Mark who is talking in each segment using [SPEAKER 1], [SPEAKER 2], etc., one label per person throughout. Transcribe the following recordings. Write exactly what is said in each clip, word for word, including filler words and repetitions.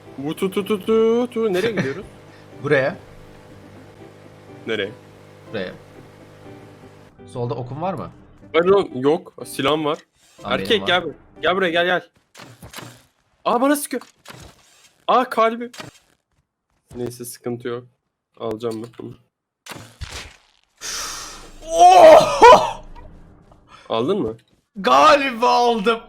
[SPEAKER 1] Bu tu tu tu tu tu. Nereye gidiyoruz?
[SPEAKER 2] Buraya.
[SPEAKER 1] Nereye?
[SPEAKER 2] Buraya. Solda okun var mı?
[SPEAKER 1] Pardon, yok. Silahım var.
[SPEAKER 2] Lan benim
[SPEAKER 1] Erkek
[SPEAKER 2] var.
[SPEAKER 1] gel buraya. Gel buraya gel gel. Aa bana sıkıyor. Aa kalbi. Neyse sıkıntı yok. Alacağım ben bunu.
[SPEAKER 2] Oh!
[SPEAKER 1] Aldın mı?
[SPEAKER 2] Galiba aldım.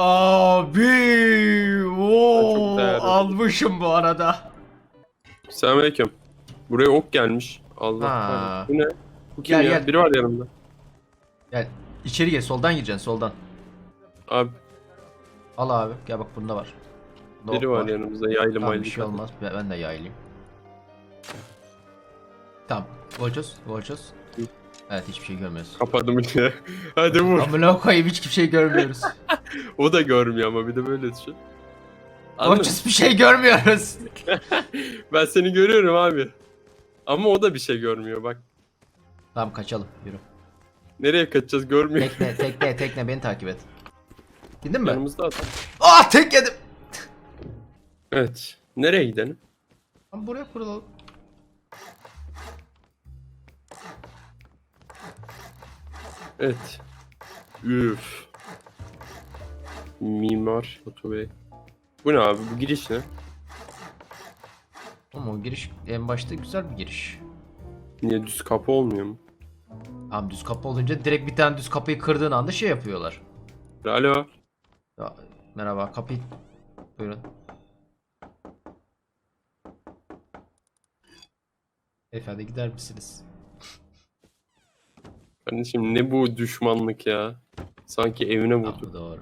[SPEAKER 2] Abi. Oo,
[SPEAKER 1] Çok değerli.
[SPEAKER 2] almışım bu arada.
[SPEAKER 1] Selamünaleyküm. Buraya ok gelmiş. Allah
[SPEAKER 2] Ha.
[SPEAKER 1] Allah. Bu ne? Bu kim
[SPEAKER 2] Gel,
[SPEAKER 1] ya?
[SPEAKER 2] gel.
[SPEAKER 1] Biri var yanımda.
[SPEAKER 2] Gel. İçeri gir. Soldan gireceksin. Soldan.
[SPEAKER 1] Abi
[SPEAKER 2] Al abi. Gel bak bunda var. Bunda
[SPEAKER 1] biri
[SPEAKER 2] ok
[SPEAKER 1] var yanımızda. Yaylı
[SPEAKER 2] Tamam,
[SPEAKER 1] maylı.
[SPEAKER 2] bir şey olmaz. Ben, ben de yaylayayım. Tamam. Volchos. Volchos.
[SPEAKER 1] Hı.
[SPEAKER 2] Evet, hiçbir şey görmüyoruz.
[SPEAKER 1] Kapadım yine. Hadi vur.
[SPEAKER 2] Amına koyayım, hiçbir şey görmüyoruz.
[SPEAKER 1] O da görmüyor ama bir de böyle düşün. Anladın mı?
[SPEAKER 2] Volchos, bir şey görmüyoruz.
[SPEAKER 1] Ben seni görüyorum abi. Ama o da bir şey görmüyor bak.
[SPEAKER 2] Tamam, kaçalım. Yürü.
[SPEAKER 1] Nereye kaçacağız görmüyor.
[SPEAKER 2] Tekne, tekne, tekne, beni takip et. Gidin mi?
[SPEAKER 1] Yanımızda adam.
[SPEAKER 2] Ah, tek yedim.
[SPEAKER 1] Evet. Nereye gidelim?
[SPEAKER 2] Tamam, buraya kurulalım.
[SPEAKER 1] Evet. Üf. Mimar Batu Bey. Bu ne abi? Bu giriş ne?
[SPEAKER 2] Ama o giriş en başta güzel bir giriş.
[SPEAKER 1] Niye düz kapı olmuyor mu?
[SPEAKER 2] Tamam, düz kapı olunca direkt bir tane düz kapıyı kırdığın anda şey yapıyorlar.
[SPEAKER 1] Alo.
[SPEAKER 2] Ya, merhaba, kapıyı... Buyurun. Efendim, gider misiniz?
[SPEAKER 1] Kardeşim ne bu düşmanlık ya? Sanki evine vurdu.
[SPEAKER 2] Tamam, doğru.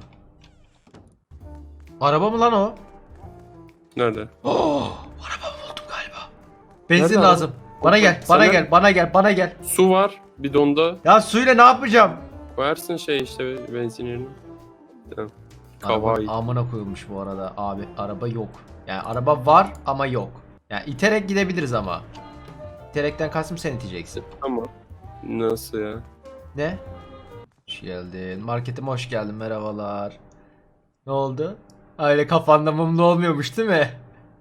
[SPEAKER 2] Araba mı lan o?
[SPEAKER 1] Nerede?
[SPEAKER 2] Oh, araba buldum galiba. Benzin
[SPEAKER 1] Nerede
[SPEAKER 2] lazım.
[SPEAKER 1] araba?
[SPEAKER 2] Bana gel, bana
[SPEAKER 1] Sana-
[SPEAKER 2] gel, bana gel, bana gel.
[SPEAKER 1] Su var bidonda.
[SPEAKER 2] Ya suyla ne yapacağım?
[SPEAKER 1] Koyarsın şey işte benzin yerine. Tamam.
[SPEAKER 2] Araba
[SPEAKER 1] Kavai.
[SPEAKER 2] amına koyulmuş bu arada abi. Araba yok. Yani araba var ama yok. Yani iterek gidebiliriz ama. İterekten kastım, sen iteceksin.
[SPEAKER 1] Ama nasıl ya?
[SPEAKER 2] Ne? Hoş geldin. Marketime hoş geldin. Merhabalar. Ne oldu? Öyle kafanda mumlu olmuyormuş değil mi?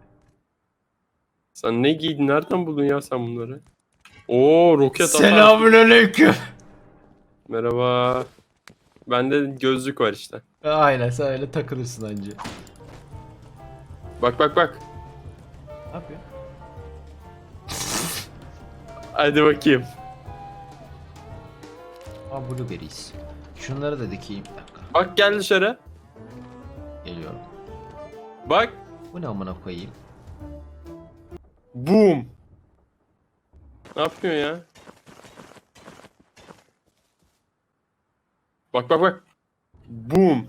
[SPEAKER 1] Sen ne giydin? Nereden buldun ya sen bunları? Oo roket atar.
[SPEAKER 2] Selamünaleyküm.
[SPEAKER 1] Merhaba. Bende gözlük var işte.
[SPEAKER 2] Aynen, sen öyle takılırsın anca.
[SPEAKER 1] Bak bak bak.
[SPEAKER 2] Ne yapıyor?
[SPEAKER 1] Hadi bakayım.
[SPEAKER 2] Aa, blueberries. Şunları da dikeyim. Bir dakika.
[SPEAKER 1] Bak gel dışarı.
[SPEAKER 2] Geliyorum.
[SPEAKER 1] Bak.
[SPEAKER 2] Bu ne amına koyayım?
[SPEAKER 1] Boom. Ne yapıyorsun ya? Bak bak bak. Boom.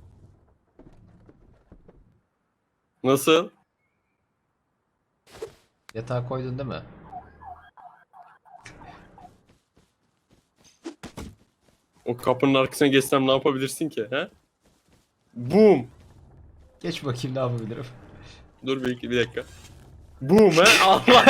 [SPEAKER 1] Nasıl?
[SPEAKER 2] Yatağa koydun değil mi?
[SPEAKER 1] O kapının arkasına geçsem ne yapabilirsin ki? He? Boom.
[SPEAKER 2] Geç bakayım, ne yapabilirim?
[SPEAKER 1] Dur bir, bir dakika. Boom he? Allah.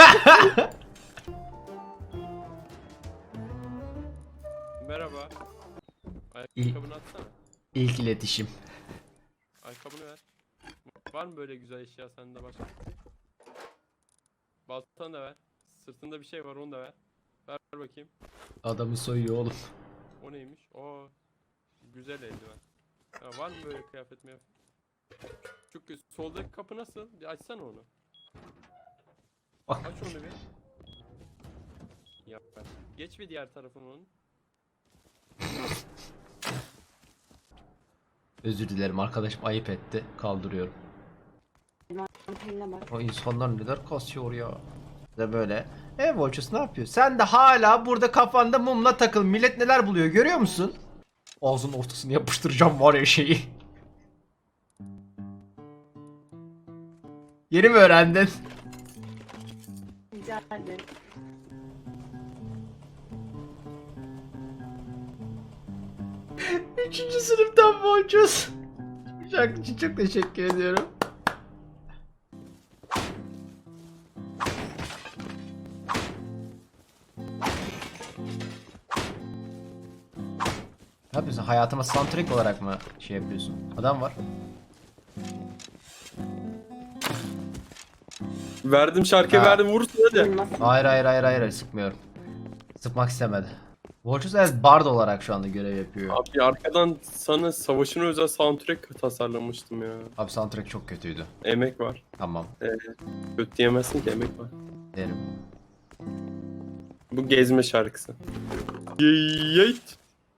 [SPEAKER 1] Merhaba. Ayakkabını atsana.
[SPEAKER 2] İlk iletişim.
[SPEAKER 1] Ayakkabını ver. Var mı böyle güzel eşya sende başka? Baltanı da ver. Sırtında bir şey var onu da ver. Ver bakayım.
[SPEAKER 2] Adamı soyuyor oğlum.
[SPEAKER 1] O neymiş? O güzel eldiven. Ha, var mı böyle kıyafet mi? Çünkü soldaki kapı nasıl? Bir açsana onu.
[SPEAKER 2] Bak.
[SPEAKER 1] Aç onu bir. Yap ver. Geç bir diğer tarafını onun.
[SPEAKER 2] Özür dilerim arkadaşım, ayıp etti. Kaldırıyorum. O insanlar neler kasıyor ya. De böyle. E Volchos, ne yapıyor? Sen de hala burada kafanda mumla takıl. Millet neler buluyor, görüyor musun? Ağzının ortasını yapıştıracağım var ya şeyi. Yeni mi öğrendin?
[SPEAKER 3] Rica ederim.
[SPEAKER 2] Üçüncü sınıftan Volchos. Şarkı için çok teşekkür ediyorum. Ne yapıyorsun? Hayatıma soundtrack olarak mı şey yapıyorsun? Adam var.
[SPEAKER 1] Verdim şarkıyı
[SPEAKER 2] Ha.
[SPEAKER 1] verdim vursun hadi.
[SPEAKER 3] Bilmem.
[SPEAKER 2] Hayır hayır hayır hayır sıkmıyorum. Sıkmak istemedi. Volchus evet bard olarak şu anda görev yapıyor.
[SPEAKER 1] Abi arkadan sana savaşına özel soundtrack tasarlamıştım ya.
[SPEAKER 2] Abi soundtrack çok kötüydü.
[SPEAKER 1] Emek var.
[SPEAKER 2] Tamam
[SPEAKER 1] Kötü diyemezsin ki emek var.
[SPEAKER 2] derim.
[SPEAKER 1] Bu gezme şarkısı. Yeet.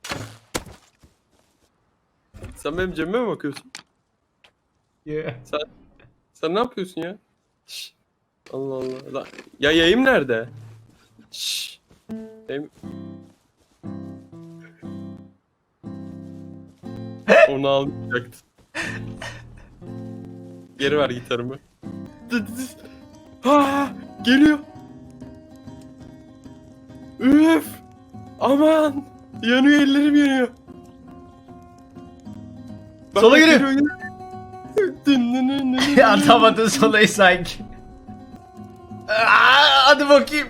[SPEAKER 1] Sen benim cebime mi bakıyorsun?
[SPEAKER 2] Yeah.
[SPEAKER 1] Sen ne yapıyorsun ya? Şş. Allah Allah. La- Ya yayım nerede? Şş. Yayım... Onu almayacaktım. Geri ver gitarımı. Ha, geliyor. Üf. Aman. Yanıyor ellerim yanıyor. Bak,
[SPEAKER 2] Sola
[SPEAKER 1] bak,
[SPEAKER 2] geliyor.
[SPEAKER 1] geliyor.
[SPEAKER 2] Atamadın solayı sanki. Aa, hadi bakayım.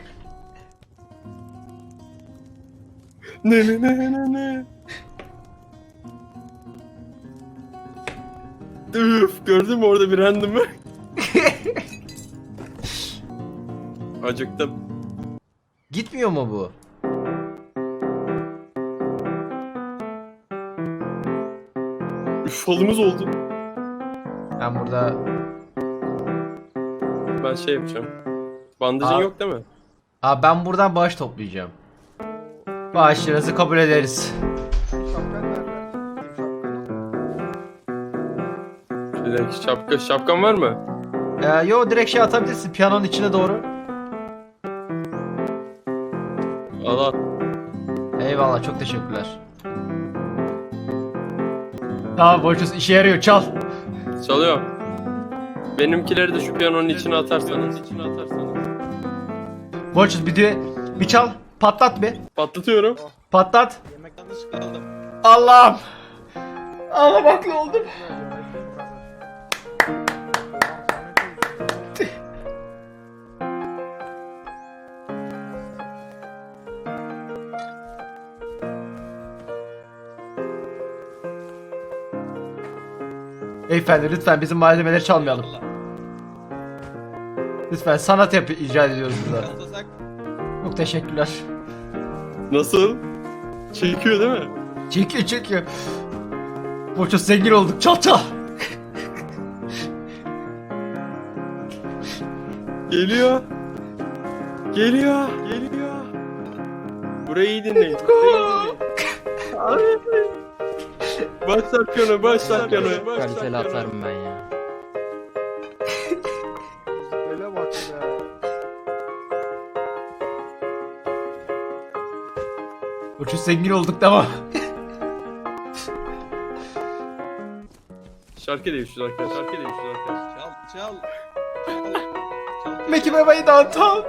[SPEAKER 1] Ne ne ne ne ne. Üf, gördün mü orada bir random'ı? Acıktım.
[SPEAKER 2] Gitmiyor mu bu?
[SPEAKER 1] Üf, falımız oldu.
[SPEAKER 2] Ben burada...
[SPEAKER 1] Ben şey yapacağım. Bandajın
[SPEAKER 2] Aa.
[SPEAKER 1] yok değil mi?
[SPEAKER 2] Ha ben buradan bağış toplayacağım. Bağışlarınızı kabul ederiz.
[SPEAKER 1] Bir dakika, şapka, şapkan var mı?
[SPEAKER 2] Ee, yo direkt şey atabilirsin piyanonun içine doğru.
[SPEAKER 1] Al al.
[SPEAKER 2] Eyvallah çok teşekkürler. Tamam Volchus işe yarıyor çal.
[SPEAKER 1] Çalıyor. Benimkileri de şu piyanonun içine atarsanız. içine atarsanız.
[SPEAKER 2] Volchus bir de bir çal patlat bir.
[SPEAKER 1] Patlatıyorum.
[SPEAKER 2] Patlat.
[SPEAKER 4] Yemekten dışı kaldım.
[SPEAKER 2] Allah'ım. Ağlamakla oldum. Beyefendi lütfen bizim malzemeleri çalmayalım. Lütfen sanat yap icat ediyoruz burada.
[SPEAKER 4] Kaltasak.
[SPEAKER 2] Çok teşekkürler.
[SPEAKER 1] Nasıl? Çekiyor değil mi?
[SPEAKER 2] Çekiyor çekiyor. Boça zengin olduk çal çal.
[SPEAKER 1] Geliyor. Geliyor. Geliyor. Burayı iyi dinleyin. Burayı iyi dinleyin. Başlat piyano, başlat piyano.
[SPEAKER 5] Kaliteli atarım ben ya.
[SPEAKER 6] Öyle bak be.
[SPEAKER 2] Boça zengin olduk tamam.
[SPEAKER 1] Şarkı değişiyor arkadaşlar. Şarkı değişiyor arkadaşlar.
[SPEAKER 4] Çal çal. Çal. Çal.
[SPEAKER 2] Meki bebeği downtown.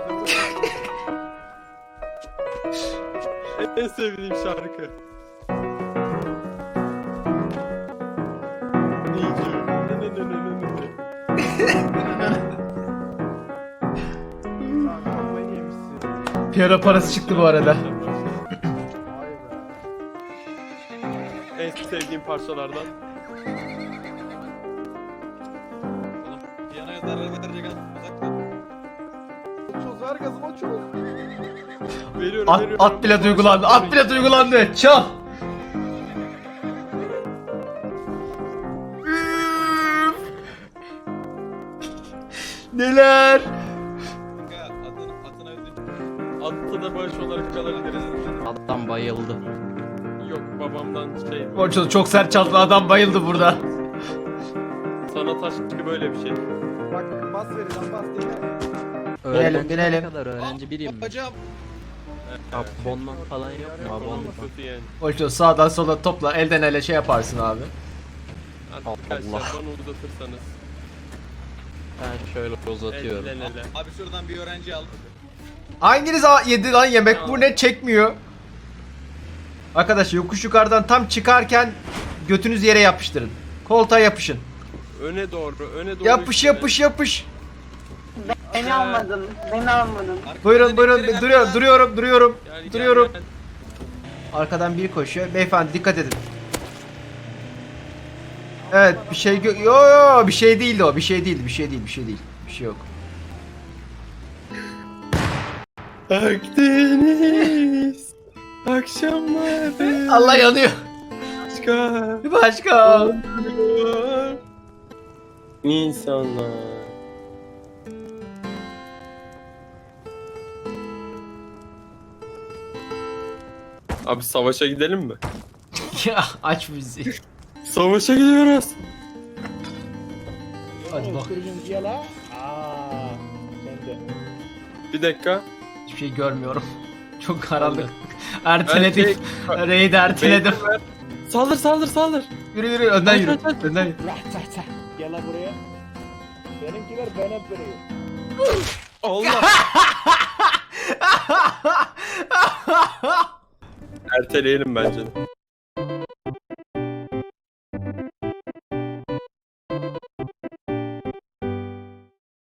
[SPEAKER 1] En sevdiğim şarkı. Nice. Ne ne ne ne ne ne.
[SPEAKER 6] Sen kafayı yemişsin.
[SPEAKER 2] Piyano parası çıktı bu arada.
[SPEAKER 6] Vay be.
[SPEAKER 1] En sevdiğim parçalardan.
[SPEAKER 4] Oğlum piyanoya zarar verecek adam uzakta.
[SPEAKER 6] Çöz ver gazıma çöz.
[SPEAKER 1] Veriyorum,
[SPEAKER 2] At,
[SPEAKER 1] veriyorum.
[SPEAKER 2] at bile duygulandı. At bile duygulandı. Çal. Üf. Neler?
[SPEAKER 4] Kanka atın, atın öldü.
[SPEAKER 1] Atta da bağış olarak çalabiliriz.
[SPEAKER 5] Adam bayıldı.
[SPEAKER 1] Yok babamdan şey.
[SPEAKER 2] Boça çok sert çaldı adam bayıldı burada.
[SPEAKER 1] Sanat aşkı böyle bir şey.
[SPEAKER 6] Bak bas vereceğim bas dinle.
[SPEAKER 2] Binelim,
[SPEAKER 5] Öğrenci
[SPEAKER 2] binelim.
[SPEAKER 5] ne kadar öğrenci biriyim ben.
[SPEAKER 4] Bacağım.
[SPEAKER 5] Abonman falan yok mu?
[SPEAKER 1] Abonman
[SPEAKER 5] Abonman.
[SPEAKER 1] kötü yani.
[SPEAKER 2] Boça sağdan sola topla elden ele şey yaparsın abi.
[SPEAKER 1] Arkadaşlar
[SPEAKER 5] Allah.
[SPEAKER 1] bana uzatırsanız.
[SPEAKER 5] Ben şöyle uzatıyorum.
[SPEAKER 1] El ele.
[SPEAKER 4] Abi şuradan bir öğrenci al.
[SPEAKER 2] Hanginiz a- yedi lan yemek bu ne çekmiyor? Arkadaş yokuş yukarıdan tam çıkarken götünüzü yere yapıştırın. Koltuğa yapışın.
[SPEAKER 1] Öne doğru, öne doğru.
[SPEAKER 2] Yapış
[SPEAKER 1] üstüne.
[SPEAKER 2] yapış yapış.
[SPEAKER 3] Beni almadın. Beni almadın.
[SPEAKER 2] Buyurun buyurun duruyor, duruyorum duruyorum
[SPEAKER 1] Gel, gel,
[SPEAKER 2] duruyorum.
[SPEAKER 1] gel.
[SPEAKER 2] Arkadan biri koşuyor. Beyefendi dikkat edin. Evet bir şey gö- yo yo bir şey değildi o bir şey değil bir şey değil bir şey değil bir şey yok.
[SPEAKER 1] Akdeniz akşamları
[SPEAKER 2] Allah yanıyor.
[SPEAKER 1] başka
[SPEAKER 2] Başka.
[SPEAKER 1] oluyor. İnsanlar. Abi savaşa gidelim mi?
[SPEAKER 2] Ya aç müziği.
[SPEAKER 1] Savaşa gidiyoruz.
[SPEAKER 2] Hadi bak.
[SPEAKER 1] Bir dakika.
[SPEAKER 2] Hiçbir şey görmüyorum. Çok karanlık. Erteledim.
[SPEAKER 1] Ben-
[SPEAKER 2] Raid erteledim.
[SPEAKER 1] Saldır saldır saldır.
[SPEAKER 2] Yürü yürü önden
[SPEAKER 1] Aç,
[SPEAKER 2] yürü.
[SPEAKER 1] aç, aç.
[SPEAKER 2] Önden yürü.
[SPEAKER 6] Gel lan buraya. Benimkiler ben hep veriyor.
[SPEAKER 1] Allah. Erteleyelim bence de.